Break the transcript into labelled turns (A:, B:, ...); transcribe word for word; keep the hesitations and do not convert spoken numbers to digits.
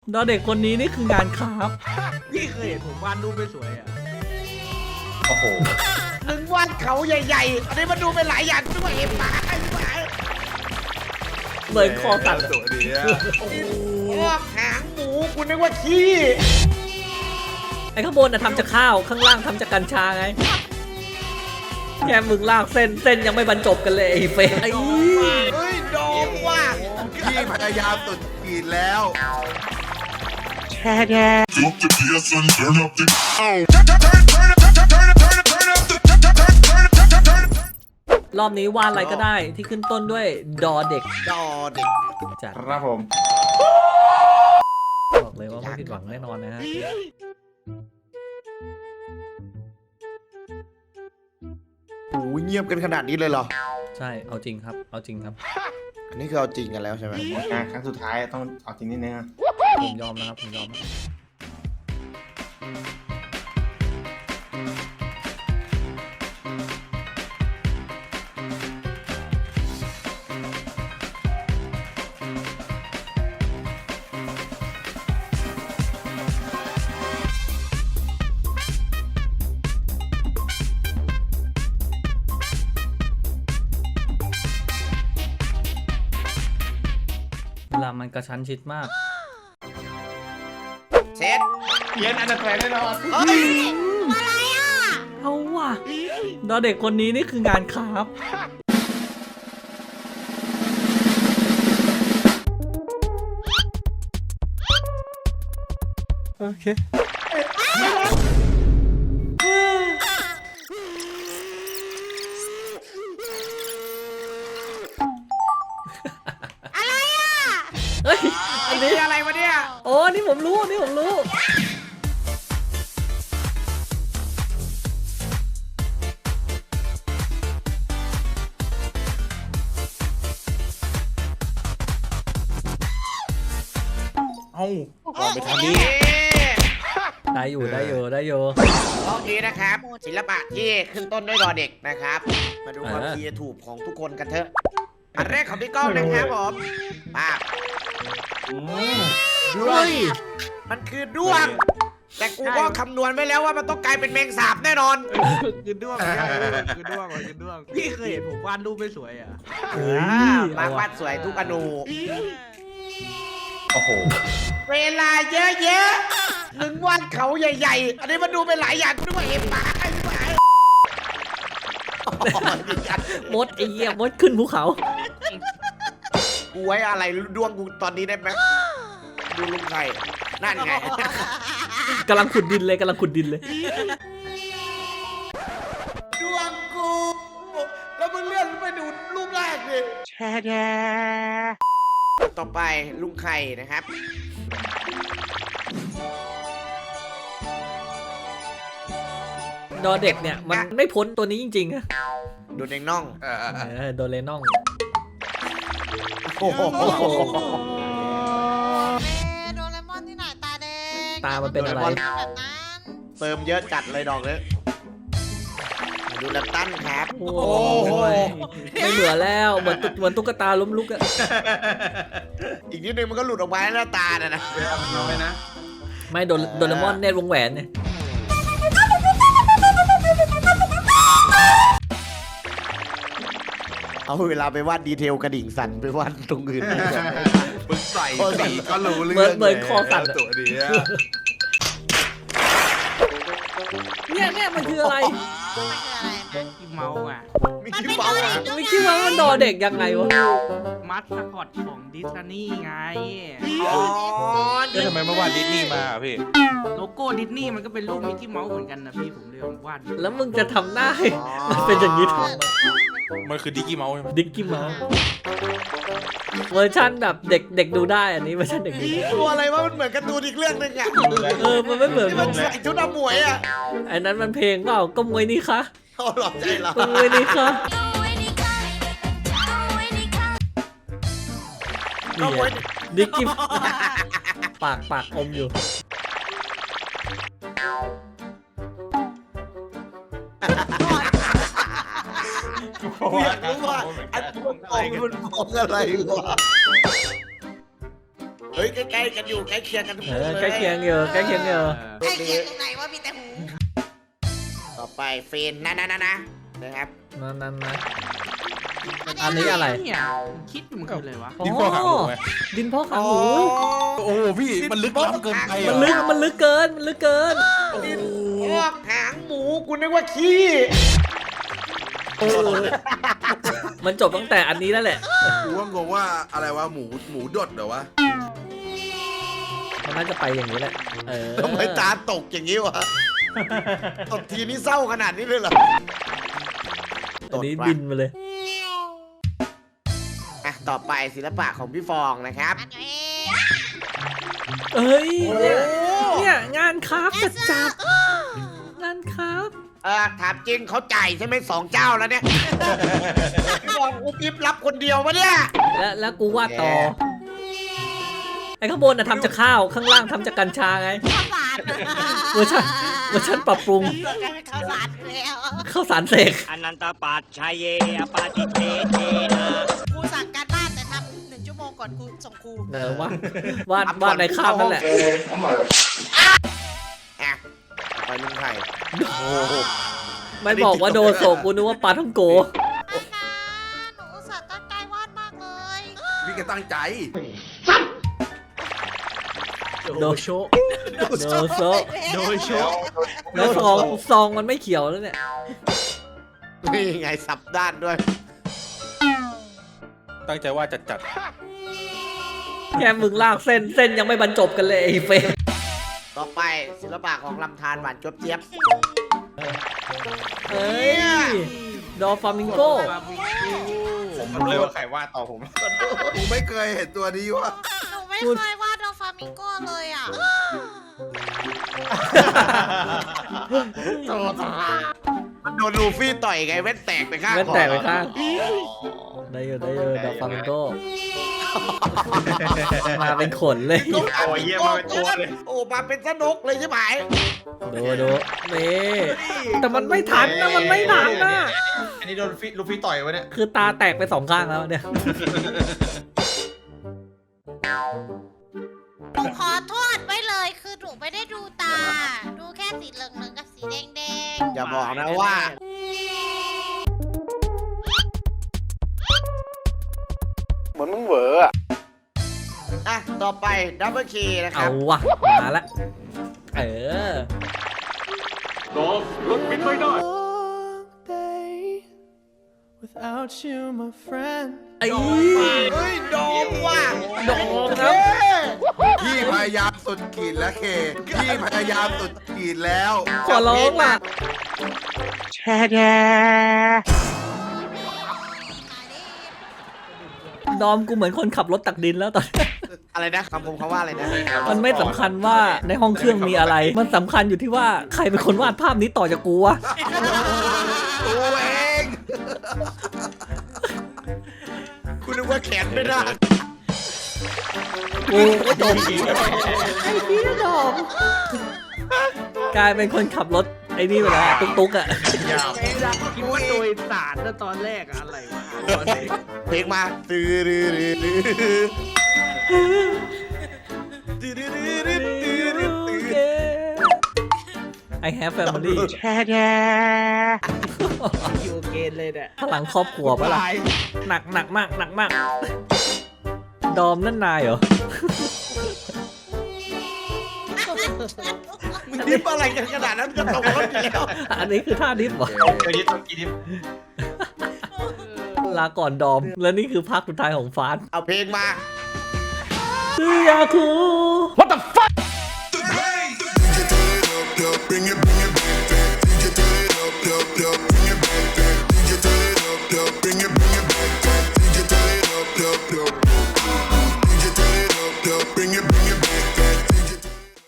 A: ดอเด็กคนนี้นี่คืองานครับ
B: พี่เคยเห็นผมวาดรูปไม่สวยอ่ะ
C: โอ้โห
D: มึงวาดเขาใหญ่ๆอันนี้มันดูเป็นหลายอย่างด้วยเอ็มปาไอ้ปา
A: เหมือนคอสั่น
C: สวยดีอะ
D: โอ้โหหางหมูคุณนึกว่าขี้
A: ไอ้ข้างบนน่ะทำจากข้าวข้างล่างทำจากกัญชาไงแค่มึงลากเส้นเส้นยังไม่บรรจบกันเลยไอ้เฟยไอ้
D: เฮ้ยโดมว่ะ
C: พี่พยายามสุดขีดแล้ว
E: Drop the bass and turn up the. Oh.
A: รอบนี้วาดอะไรก็ได้ที่ขึ้นต้นด้วยดอเด็ก
D: ดอเด็ก
A: จัด
C: ครับผม
A: บอกเลยว่าไม่ผิดหวังแน่นอนนะฮะ
D: โอ้ยเงียบกันขนาดนี้เลยเหรอ
A: ใช่เอาจริงครับเอาจริงครับ
D: อันนี้คือเอาจริงกันแล้วใช่ไหม
C: อ่ะครั้งสุดท้ายต้องเอาจริงนิดนึงอะ
A: ผมยอมนะครับผมยอม เวลามันกระชั้นชิดมาก
D: เซ็ต
C: เย็นอันดับแรกแน่นอน
D: เฮ้ย
A: เอาว่ะดอเด็กคนนี้นี่คืองานครับ โอเค
F: อะไรอ่ะ
A: เฮ้ย อันนี้
D: นี่อะไรวะเนี่ย
A: โอ้นี่ผมรู้ นี่ผมรู้
C: เอ้า
D: ก่อนไปทำนี้
A: ได้อยู่ ได้อยู่ ได้อยู่
D: รอบนี้นะครับ ศิลปะที่ขึ้นต้นด้วยดอเด็กนะครับ มาดูความ
A: อ่า
D: ครีเอทีฟของทุกคนกันเถอะ อันแรกของพี่ก้องนะครับผมป้าบ
A: เฮ้ย
D: มันคือด้วง แต่กูก็คำนวณไว้แล้วว่ามันต้องกลายเป็นแมงสาบแน่นอน
B: คือด้วงคือด้วงคือด้วงพี่เคยเห็นผมวาดรูปไม่สวยอ่ะ
A: เฮ้ย
D: อ่า
A: เอา
D: มา
A: ว่ะ
D: วาดสวยทุกอนู
C: โอ้โห
D: เวลาเยอะๆมึงวาดเขาใหญ่ๆ อันนี้มันดูเป็นหลายอย่างด้วยเอ็มปาไอ้ปา
A: มดไอ้เหี้ยมดขึ้นภูเขา
D: กูไว้อะไรดวงกูตอนนี้ได้ไหมดูลุงไข่นั่นไง
A: กำลังขุดดินเลยกำลังขุดดินเลย
D: ดวงกู แล้วมึงเลื่อนไปดูรูปแรกดิแช่แช่ต่อไปลุงไข่นะครับ
A: ดอเด็กเนี่ย มันไม่พ้นตัวนี้จริงๆอะ
D: ดูเด้งน่อง
C: เออเออ
A: เออโดเรนอง
D: โอ้โห
F: เมโดเรมอนที่ไหนตาแดง
A: ตามันเป็นอะไร
F: แบบนั้น
D: เติมเยอะจัดเลยดอกเลยดูแลมตันครับ
A: โอ้โหไม่เหมือนแล้วเหมือนตุ๊กเหมือนตุ๊กตาล้มลุกอะ
D: อีกนิดนึงมันก็หลุดออกมาหน้าตาน่ะนะ
C: เอาไว้นะ
A: ไม่โดนโดเรมอนเนตวงแหวนเนี่ย
D: เอาเวลาไปวาดดีเทลกระดิ่งสั่นไปวาดตรงอื่น
C: มึงใส่สีก็รู้เรื่อง
A: เหมือนเหมือนคอสั่นอะ
C: ตัวดีอะ
A: เนี่ยเนี่ยมันคืออะไร
F: มันคืออะไรนะ
B: ที่เมาส์อ่ะ
D: มี
F: มัน
D: คิ้
F: เป็
D: วน เบา
F: โดเร
D: อ่ะ
F: มอน
A: ไม่คิดว่ามันดอเด็กยังไงวะ
B: มัดสคอตของดิสนีย์ไง
D: อ๋อ
G: แล้วทำไมไม่วาดดิสนีย์มาอ่ะพี่
B: โลโก้ดิสนีย์มันก็เป็นรูปมิกกี้เมาส์เหมือนกันนะพี่ผมเลยวาด
A: แล้วมึงจะทำได้ มันเป็นอย่างนี้ทำไม
G: มันคือดิกกี้เมาส์ใช่ไหม
A: ดิกกี้เมาส์เวอร์ชันแบบเด็กเด็กดูได้อันนี้เวอร์ชันเด็กดูได้
D: ตัวอะไรวะมันเหมือนการ์ตูนอีกเรื่องหนึงอ่ะ
A: เออมันไม่เหมือน
D: ที่มันใส่ชุดอมวยอ่ะ
A: อันนั้นมันเพลงเปล่าก็มวยนี่คะ
D: เขาหลอกใจเรา
A: ก็มวยนี่คะ
D: ก็มวย
A: ดิกกี้ปากปากอมอยู่
D: กูอยากรู้ว่าอันมันมองมันมองอะไรวะฮ้ยใกล้ๆกันอยู่ใกล้เคียงกันทุก
A: เอ
D: คน
A: อ
D: เลย
A: ใกล้เคียงอยู่ใกล้เคียงอยู่
F: ใกล้เคียงตรงไหนว่ามีแต่หู
D: ต่อไปเฟนนะนะนะนะนะครับ
A: นั่นนั่นนะอันนี้อะไร
B: เนี่ยคิดมันคืออะไรวะ
G: ดินพ่อขาหมูไหม
A: ดินพ่อขาหมู
G: โอ้พี่มันลึกล้ำเกินไป
A: มันลึกมันลึกเกินมันลึกเกิน
D: ดินพอกหางหมูกูนึกว่าขี้
A: มันจบตั้งแต่อันนี้แล้วแหละ
H: กูว่างงว่าอะไรวะหมูหมูดดเหรอวะ
A: มันน่าจะไปอย่างนี้แหละเออ
D: ทำไมตาตกอย่างนี้วะตบทีนี้เศร้าขนาดนี้เลยเหรอ
A: อันนี้บินมาเลย
D: อ่ะต่อไปศิลปะของพี่ฟองนะครับ
F: อันนี้
A: เอ้ย
D: โอ้
A: เนี่ยเนี่ยงานคราฟต์จัดจัดงานคราฟต์
D: เออถามจริงเขาจ่ายใช่ไหมสองเจ้าแล้วเนี่ยพี่ฟองอุบอิบรับคนเดียวปะเนี่ย
A: แล้วแล้วกูวาดต่อไอ้ข้างบนน่ะทำจากข้าวข้างล่างทำจากกัญชาไง
F: ข้าวสาร
A: เวอร์ชันเวอร์ชันปรับปรุง
F: เกิดกลายเป็นข้าวสารไปแล้ว
A: ข้าวสารเสก
I: อนันตปัจชัยเยอปาติเทเทนะ
F: ครูสั่งการบ้านแต่ทำหนึ่งชั่วโมงก่อนครูส่งครู
A: เออวาดวาดวาดในข้าวนั่นแหละ
D: อ่ะไปลุงไข่
A: ไม่บอกว่าโดโซกูนึกว่าปลาท่องโก
F: นะหนูอุตส่าห์ตั้งใจวาดมากเลย
H: พี่ก็ตั้งใจ
A: โดโชโดโซ
B: โดยโชค
A: แล้วซองซองมันไม่เขียวแล้วเนี่ย
D: นี่ไงสับด้านด้วย
G: ตั้งใจว่าจัดจัด
A: แค่มึงลากเส้นเส้นยังไม่บรรจบกันเลยไอ้เฟร
D: ต่อไปศิลปะของลำธารหวานจบเจี๊ยบ
A: เอ้ยดอฟามิงโก
C: ผมรู้เลยว่าใครว่าต่อผม
H: กูไม่เคยเห็นตัวนี้วะ
F: หนูไม่เคยวาดดอฟามิงโกเลยอ่ะ
D: มันโดนลูฟี่ต่อยไงแว่นแตกไปข้าง
A: แว่นแตกไป
D: คอ
A: ข้างได้อยู่ได้อยู่ดอฟามิงโกมาเป็นขนเลย
C: โอ้ยเยี่ยมมาเป็นตัวเลย
D: โอ้มาเป็นสนุกเลยใช่ไหม
A: ดูดูนี่แต่มันไม่ทันนะมันไม่ทันนะ
C: อันนี้โดนฟิลูฟี่ต่อยวะเนี่ย
A: คือตาแตกไปสองข้างแล้วเนี่ย
F: หนูขอโทษไว้เลยคือหนูไม่ได้ดูตา ดูแค่สีเหลืองๆกับสีแดง
D: อย่าบอกนะว่า
C: เหมือนมึงเหวออะ
D: อ่ะ ต่อไปดับเบิลคีนะค
A: เอา
D: รับ
A: วะมาละเออ
C: รถบินไม่ได้
A: ไอ้
D: เฮ้ยโดมว่ะ
A: โดมครับ
H: พี่พยายามสุดขีดแล้วเค พี่พยายามสุดขีดแล้ว
A: ขอร้องล่ะ
D: แช่แด
A: ดอมกูเหมือนคนขับรถตักดินแล้วตอนนี้
D: อะไรนะคำผมเขาว่าอะไรนะ
A: มันไม่สำคัญว่าในห้องเครื่องมีอะไร มันสำคัญอยู่ที่ว่าใครเป็นคนวาดภาพนี้ต่อจากกูวะ
H: ตัวเอง
D: คุณนึกว่าแขนไม่ได้
A: กูก็ดมไอ้พี่ดอมกลายเป็นคนขับรถไอ้นี่ไปแล้วตุ๊กตุ๊กอ่ะ
B: คิดว่าโดยสารนะตอนแรกอะอะไรวะตอนนี้
D: เพลงมาตื้อดื้อดื้อดื้อตื้อดื้อดื้อดื้อดื้อดื้อ
A: I have family
D: แช่แด
B: อยู่เกณฑ์เลยเนี่ย
A: พลังครอบครัวปะล่ะ
B: ลาย
A: หนักหนักมากหนักมาก ดอมนั่นนายเหรอ
D: มึงดิบอะไรกันขนาดนั้นจะตกรถอยู่แล้ว
A: อันนี้คือท่าดิฟเหรอ
C: เดี๋ยวนี้ต้องกินดิบ
A: ลาก่อนดอม และนี่คือภาคสุดท้ายของฟาน
D: เอาเพลงมา
A: ซื้อยาคู What the